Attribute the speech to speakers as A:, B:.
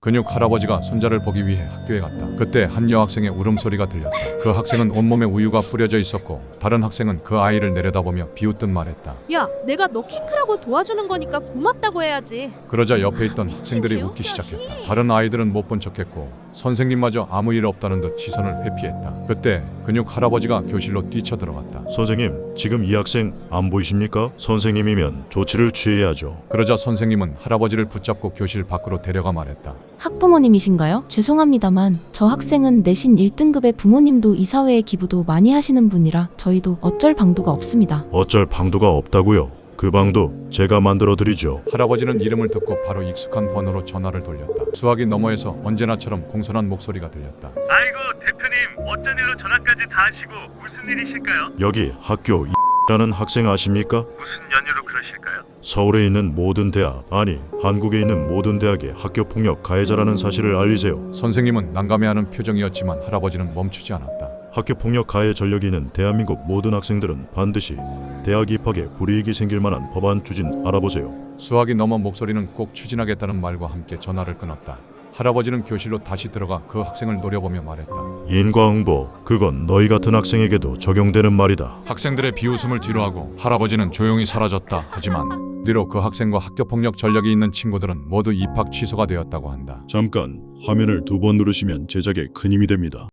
A: 근육 할아버지가 손자를 보기 위해 학교에 갔다. 그때 한 여학생의 울음소리가 들렸다. 그 학생은 온몸에 우유가 뿌려져 있었고 다른 학생은 그 아이를 내려다보며 비웃듯 말했다.
B: 야, 내가 너 키 크라고 도와주는 거니까 고맙다고 해야지.
A: 그러자 옆에 있던 학생들이 웃기 시작했다. 다른 아이들은 못 본 척했고 선생님마저 아무 일 없다는 듯 시선을 회피했다. 그때 근육 할아버지가 교실로 뛰쳐들어갔다.
C: 선생님, 지금 이 학생 안 보이십니까? 선생님이면 조치를 취해야죠.
A: 그러자 선생님은 할아버지를 붙잡고 교실 밖으로 데려가 말했다.
D: 학부모님이신가요? 죄송합니다만 저 학생은 내신 1등급의 부모님도 이사회에 기부도 많이 하시는 분이라 저희도 어쩔 방도가 없습니다.
C: 어쩔 방도가 없다고요? 그 방도 제가 만들어 드리죠.
A: 할아버지는 이름을 듣고 바로 익숙한 번호로 전화를 돌렸다. 수화기 너머에서 언제나처럼 공손한 목소리가 들렸다.
E: 아이고 대표님 어쩐 일로 전화까지 다 하시고 무슨 일이실까요?
C: 여기 학교 라는 학생 아십니까?
E: 무슨 연유로 그러실까요?
C: 서울에 있는 모든 대학, 아니 한국에 있는 모든 대학의 학교폭력 가해자라는 사실을 알리세요.
A: 선생님은 난감해하는 표정이었지만 할아버지는 멈추지 않았다.
C: 학교폭력 가해 전력이 있는 대한민국 모든 학생들은 반드시 대학 입학에 불이익이 생길 만한 법안 추진 알아보세요.
A: 수화기 너머 목소리는 꼭 추진하겠다는 말과 함께 전화를 끊었다. 할아버지는 교실로 다시 들어가 그 학생을 노려보며 말했다.
C: 인과응보, 그건 너희 같은 학생에게도 적용되는 말이다.
A: 학생들의 비웃음을 뒤로하고 할아버지는 조용히 사라졌다. 하지만 뒤로 그 학생과 학교폭력 전력이 있는 친구들은 모두 입학 취소가 되었다고 한다.
C: 잠깐 화면을 2번 누르시면 제작에 큰 힘이 됩니다.